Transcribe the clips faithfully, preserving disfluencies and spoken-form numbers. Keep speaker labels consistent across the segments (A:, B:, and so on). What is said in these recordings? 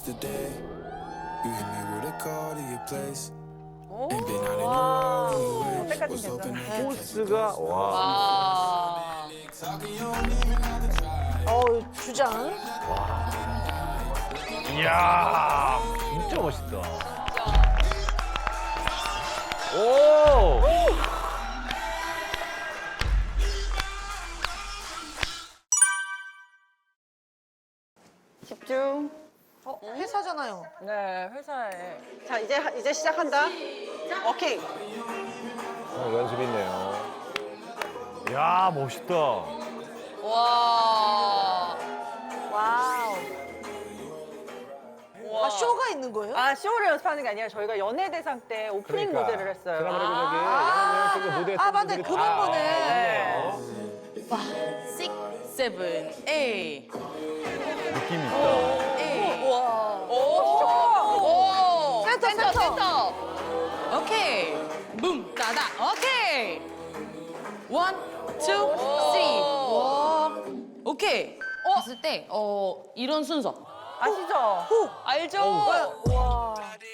A: yesterday. You hit me with a call to your place. Ain't been out in a while anyway. Was hoping I could catch you.
B: 코스가 와.
C: 아.
D: 어우, 주장.
B: 이야, 진짜 멋있다. 오!
E: 집중.
D: 어, 회사잖아요.
E: 네, 회사에. 자, 이제 이제 시작한다. 오케이.
F: 어, 연습 있네요.
B: 야, 멋있다.
C: 와.
D: 와우. 아, 쇼가 있는 거예요?
E: 아, 쇼를 연습하는 게 아니라 저희가 연예대상 때 오프닝
F: 그러니까.
E: 무대를 했어요.
F: 드라마를
D: 아,
F: 저기 무대
D: 아, 맞네. 그 멤버네.
E: 네.
C: six, seven, eight.
B: 느낌 있다.
C: eight.
D: 와.
C: 오. 오.
D: 센터, 센터.
C: 센터. 오케이. 붐, 따다. 오케이. one, two, three. 와. 오케이. 했을 때, 어, 이런 순서.
E: 아시죠?
C: 알죠?
D: 와.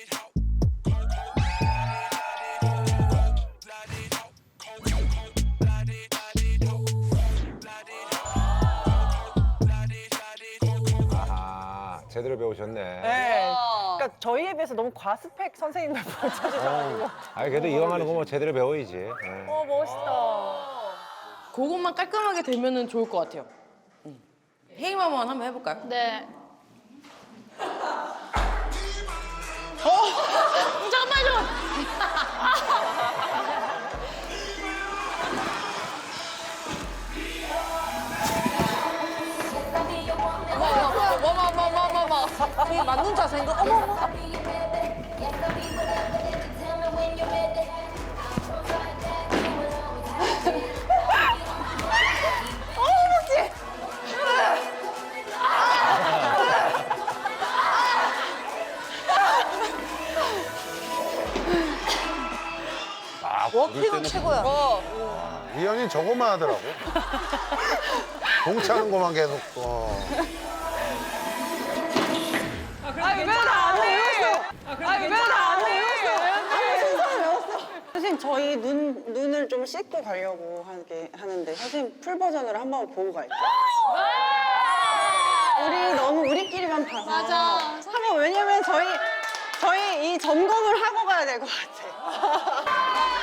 F: 아, 제대로 배우셨네.
E: 네.
C: 와.
E: 그러니까 저희에 비해서 너무 과스펙 선생님들 찾으셔가지고.
F: 아니, 그래도 이왕 하는 거 뭐 제대로 배워야지. 예.
E: 어, 멋있다.
C: 그것만 깔끔하게 되면은 좋을 것 같아요. 응. 헤이마만 한번 해볼까요?
G: 네.
C: 어, 잠깐만요. 어머머머머머머머머.
D: 이게 맞는 자세인가? 어머, 어머.
F: 아,
D: 워킹은 최고야.
H: 이현이 저거만 하더라고. 공차는 것만 계속. 어.
E: 아니, 왜나안 해? 아니, 왜나안 해? 선생님, 저희 눈, 눈을 좀 씻고 가려고 하게 하는데 선생님 풀 버전으로 한번 보고 갈게요. 우리 너무 우리끼리만 봐서.
G: 맞아.
E: 한번 왜냐면 저희 저희 이 점검을 하고 가야 될 것 같아.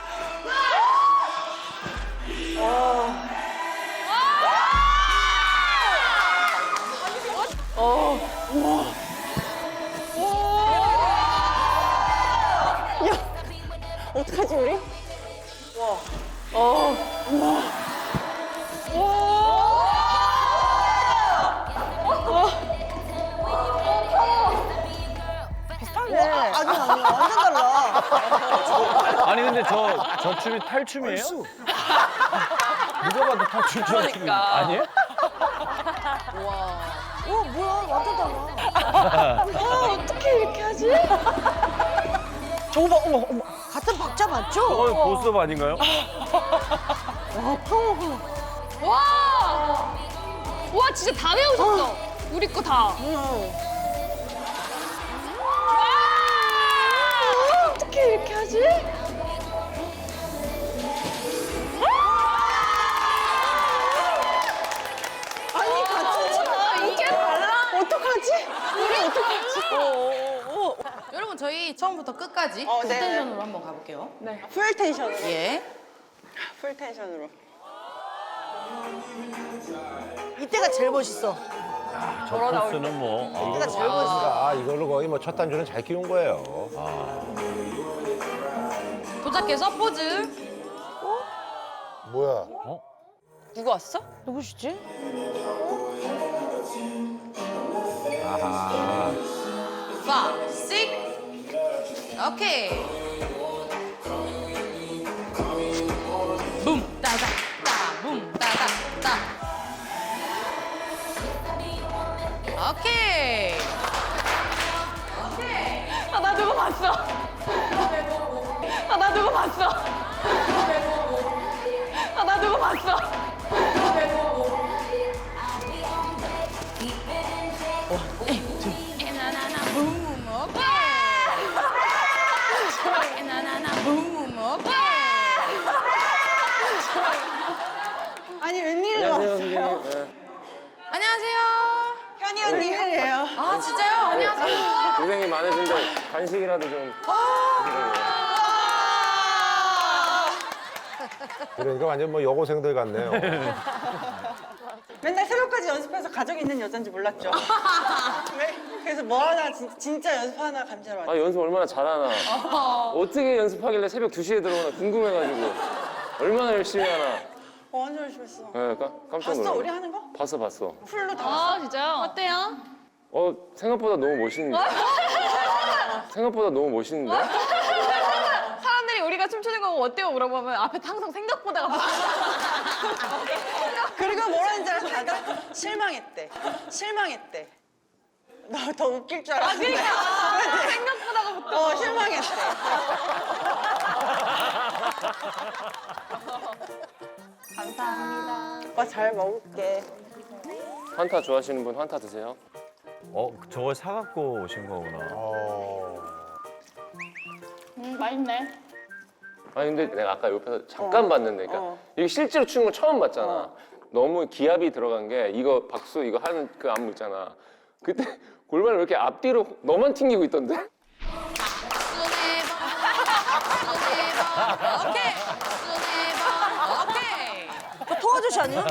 E: 어떡하지 우리? 와. 어. 와. 비슷한데.
D: 아니, 아니, 완전 달라.
B: 아니, 근데 저, 저 춤이 탈춤이에요? 누가 봐도 탈춤 춤
C: 그러니까.
B: 아니에요?
D: 어, 뭐야, 완전 달라.
E: 아, 어떻게 이렇게 하지? 저거 봐, 어머, 어머.
D: 같은 박자 맞죠?
B: 어, 보스업 아닌가요?
D: 와, 파워가.
G: 와! 와, 진짜 다 외우셨어. 우리 거 다.
E: 어떻게 이렇게 하지? 아니, 같이 쳐.
G: 이게 달라.
E: 어떡하지? 우리 어떡하지?
C: 여러분, 저희 처음부터 끝까지
E: 어,
C: 풀
E: 네.
C: 텐션으로 한번 가볼게요.
E: 네. 풀 텐션으로.
C: 예.
E: 풀 텐션으로.
D: 이때가 제일 멋있어.
B: 저 코스는 뭐.
D: 이때가
B: 아,
D: 제일 멋있어.
F: 그러니까 이걸로 거의 뭐 첫 단추는 잘 끼운 거예요.
C: 도착해서 포즈.
H: 뭐야?
C: 누구 왔어?
D: 누구시지?
F: 아하.
C: five, six. 오케이. 붐, 따다, 따, 붐, 따다, 따. 오케이. 오케이.
E: 아, 나 누구 봤어? 아, 나 누구 봤어? 아, 나 누구 봤어?
C: 나, 나,
B: 고생이 많으신데 간식이라도 좀.
F: 그러니까 완전 뭐 여고생들 같네요.
E: 맨날 새벽까지 연습해서 가족이 있는 여잔지 몰랐죠. 네? 그래서 뭐 하나 진, 진짜 연습하나 감자로
B: 아
E: 왔죠.
B: 연습 얼마나 잘하나. 어떻게 연습하길래 새벽 두 시에 들어오나 궁금해가지고 얼마나 열심히 하나.
E: 어, 완전 열심히 했어.
B: 네, 까, 깜짝 놀랐어.
E: 봤어 우리 하는 거?
B: 봤어 봤어.
E: 풀로 다 봤어.
G: 아 진짜요? 어때요?
B: 어 생각보다 너무 멋있는데. 생각보다 너무 멋있는데.
G: 사람들이 우리가 춤추는 거 어때요? 물어보면 앞에 항상 생각보다가 막
E: 그리고 뭐라는지 알아? 다들 실망했대. 실망했대. 너 더 웃길 줄 알았는데.
G: 그러니까 생각보다가 붙어.
E: 어, 실망했대. 감사합니다. 오빠 잘 먹을게.
B: 환타 좋아하시는 분 환타 드세요. 어 저걸 사갖고 오신 거구나.
H: 어.
G: 음 맛있네.
B: 아니 근데 내가 아까 옆에서 잠깐 봤는데, 그러니까
E: 어.
B: 이게 실제로 추는 거 처음 봤잖아. 너무 기압이 들어간 게 이거 박수 이거 하는 그 안무 있잖아. 그때 골반을 왜 이렇게 앞뒤로 너만 튕기고 있던데?
C: 오케이. 오케이.
D: 그 통아저씨 아니야?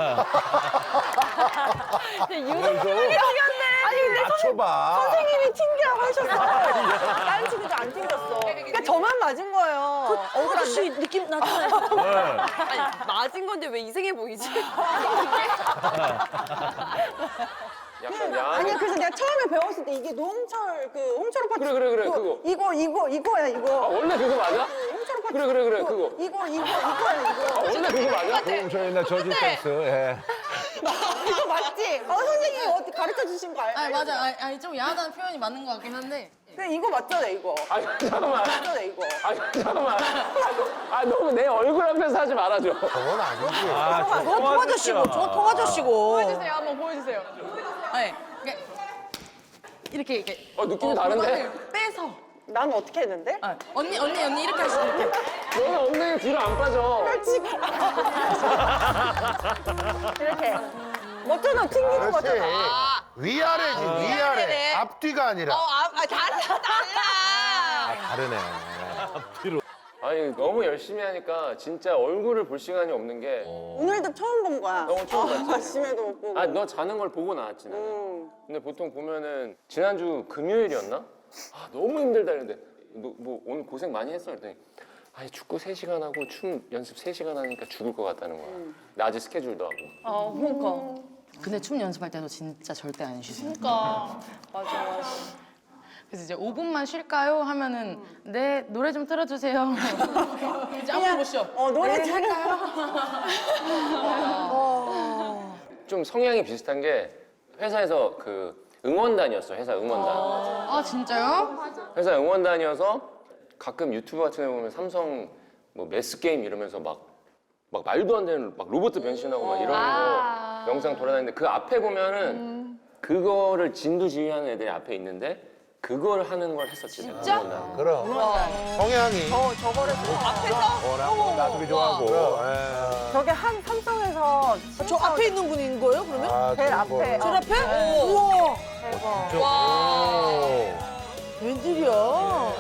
F: 맞춰봐.
E: 선생님이 튕기라고 하셨어. 다른 친구들 안 튕겼어. 그러니까 저만 맞은 거예요.
D: 통아저씨 느낌 나잖아요.
C: 맞은 건데 왜 이상해 보이지?
B: 약간 야.
E: 아니 그래서 내가 처음에 배웠을 때 이게 노홍철 그 홍철 오빠
B: 그래, 그래, 그래,
E: 그거,
B: 그거.
E: 이거 이거 이거야
B: 아,
E: 이거
B: 원래 그거 맞아?
E: 홍철 오빠
B: 그래 그래 그래
E: 그거,
B: 그거.
E: 이거 이거 이거야
B: 아,
E: 이거
B: 원래 그거 맞아?
F: 그럼 저 옛날 저지 댄스. 예.
E: 이거 맞지? 어 선생님이 어떻게 가르쳐 주신 거 알아?
C: 아 맞아. 아니, 아니 좀 야하다는 표현이 맞는 것 같긴 한데.
E: 근데 이거 맞잖아 이거
B: 아니 잠깐만.
E: 맞잖아 이거
B: 아니 잠깐만. 아 너무 내 얼굴 앞에서 하지 말아줘.
H: 저건 아니지.
D: 저거 통아저씨고, 저거 통아저씨고.
G: 보여주세요. 한번 보여주세요.
C: 아니 이렇게 이렇게 이렇게.
B: 어 느낌이 다른데?
C: 골반을 빼서.
E: 난 어떻게 했는데?
C: 아, 언니 언니 언니 이렇게 하시면 이렇게.
B: 너는 엉덩이 뒤로 안 빠져.
E: 이렇게 멋져서 튕기는
H: 그렇지.
E: 거잖아
H: 위아래지, 위아래. 앞뒤가 아니라.
C: 아, 아 달라 달라.
F: 아, 다르네.
B: 아니 너무 열심히 하니까 진짜 얼굴을 볼 시간이 없는 게.
E: 오늘도 처음 본 거야
B: 너무 처음 봤지?
E: 아침에도 못 보고
B: 아 너 자는 걸 보고 나왔지 나는.
E: 음.
B: 근데 보통 보면은 지난주 금요일이었나? 아 너무 힘들다 이랬는데 너 뭐 오늘 고생 많이 했어? 그랬더니 아니 축구 세 시간 하고 춤 연습 세 시간 하니까 죽을 것 같다는 거야. 낮에 스케줄도 하고.
G: 어 그러니까.
C: 근데 춤 연습할 때도 진짜 절대 안 쉬세요.
G: 그러니까. 맞아 맞아.
C: 그래서 이제 오 분만 쉴까요? 하면은 네 노래 좀 틀어주세요. 이제 아무도 못 쉬어.
E: 어 노래
C: 네,
E: 들을까요?
B: 좀 성향이 비슷한 게 회사에서 그 응원단이었어. 회사 응원단.
C: 아 진짜요?
B: 회사 응원단이어서 가끔 유튜브 같은 데 보면 삼성 뭐 매스 게임 이러면서 막 막 말도 안 되는 막 로봇 변신하고 막 이런
G: 아.
B: 거 영상 돌아다니는데 그 앞에 보면은 그거를 진두지휘하는 애들이 앞에 있는데 그걸 하는 걸 했었지. 진짜?
F: 그럼. 성향이.
E: 저 저거를 앞에서
F: 어, 나들이 좋아하고. 예.
E: 저게 한 삼성에서
D: 저 앞에 있는 분인 거예요, 그러면?
F: 아,
E: 제일
F: 그런 거.
E: 앞에
D: 저 앞에? 우와,
E: 대박
F: 오.
D: 웬일이야.
G: 어,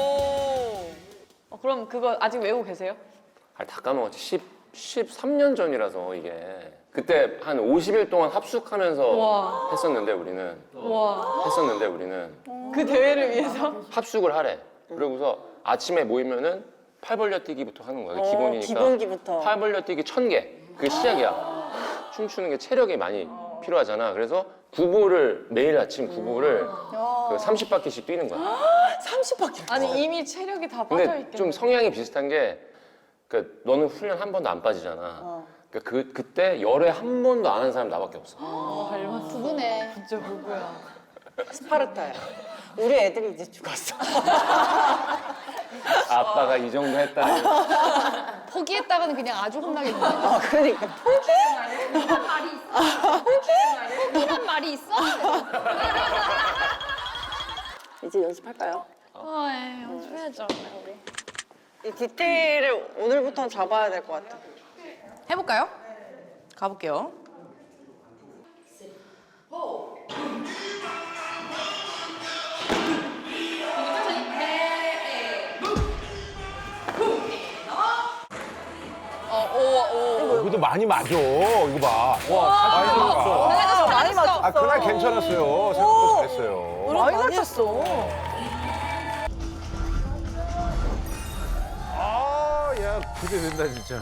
G: 그럼 그거 아직 외우고 계세요?
B: 아, 다 까먹었지. 십, 십삼 년 전이라서 이게. 그때 한 오십 일 동안 합숙하면서
G: 와.
B: 했었는데 우리는.
G: 와.
B: 했었는데 우리는.
G: 그 대회를 위해서?
B: 합숙을 하래. 그러고서 아침에 모이면은 팔 벌려 뛰기부터 하는 거야.
E: 어,
B: 기본이니까.
E: 기본기부터.
B: 팔 벌려 뛰기 천 개. 그게 시작이야. 춤추는 게 체력이 많이 필요하잖아. 그래서 구보를 매일 아침 구보를 그 삼십 바퀴씩 뛰는 거야.
E: 삼십 바퀴
G: 아니 이미 체력이 다 빠져
B: 근데
G: 있겠네.
B: 좀 성향이 비슷한 게 그 너는 훈련 한 번도 안 빠지잖아. 그러니까 그 그때 열에 한 번도 안 한 사람 나밖에 없어.
G: 닮았어. 부부네. 진짜 부부야.
E: 스파르타야 우리 애들이 이제 죽었어
B: 아빠가 이 정도 했다.
G: 포기했다가는 그냥 아주 혼나겠네.
E: 어 그러니까 포기?
G: 포기한 말이 있어. 포기? 포기한 말이 있어?
E: 이제 연습할까요?
G: 아, 예, 연습해야죠. 우리.
E: 이 디테일을 오늘부터 잡아야 될 것 같아
C: 해볼까요? 가볼게요.
F: 그래도 많이 맞아. 이거 봐. 와, 많이 맞았어.
E: 아, 많이 맞췄어.
F: 아, 그날 괜찮았어요. 생각보다 잘했어요.
D: 노래 많이 맞췄어.
F: 아, 야, 기대된다, 진짜.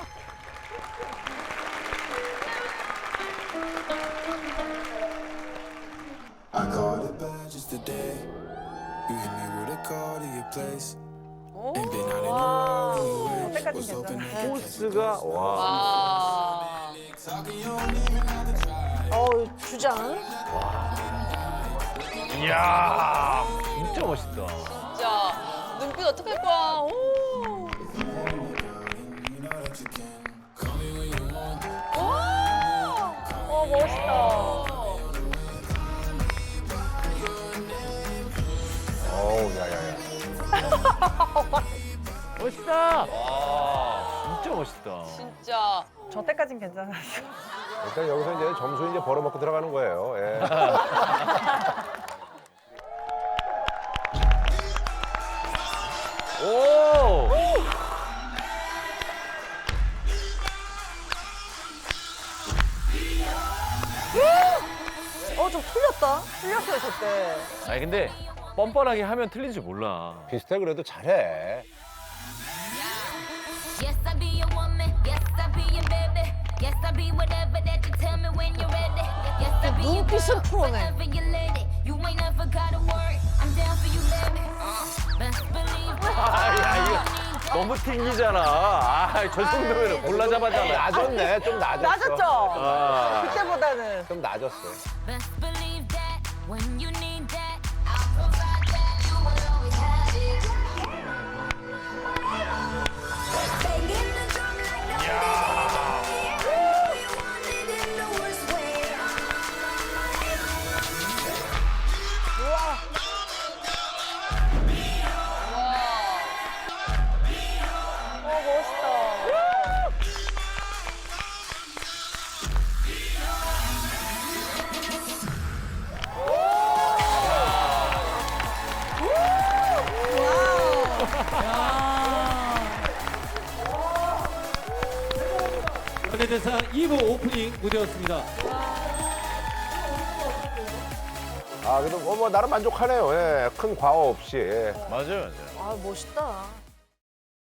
A: I called it bad just today. You hit me with a call to your place. Ain't been out in a while anyway. Was hoping I could catch you.
F: 코스가, 와.
D: 어 주장.
F: 이야, 진짜 멋있다.
E: 진짜 눈빛 어떡할 거야. 오. 어 멋있다.
F: 어우, 야, 야, 야. 멋있다. 와, 진짜 멋있다.
E: 진짜 저 때까진 괜찮았어.
F: 일단 여기서 이제 점수 이제 벌어먹고 들어가는 거예요. 예. 오!
D: 어 좀 틀렸다. 틀렸어요 저때.
I: 아니 근데 뻔뻔하게 하면 틀린 줄 몰라.
F: 비슷해 그래도 잘해.
J: Yes, I be your woman. Yes, I be your baby. Yes, I be whatever that you tell me when you're ready. Yes, I be your
D: 눈빛은 프로네.
J: whatever you lady. You ain't never gotta worry. I'm down for you, baby. Uh, best believe it.
I: 아야 이거 너무 튕기잖아. 아저 정도면 골라 잡아잖아.
F: 낮았네. 좀 낮았어.
D: 낮았죠.
I: 아.
D: 그때보다는.
F: 좀 낮았어.
J: Best believe that when you need that, I'll provide that. You will always have it. Banging the drum like no we want it in the worst way.
E: 어 멋있다.
K: 현대대상 이 부 오프닝 무대였습니다.
F: 아, 그래도 뭐, 뭐 나름 만족하네요. 예. 큰 과오 없이. 예.
I: 맞아요, 맞아요.
D: 아 멋있다.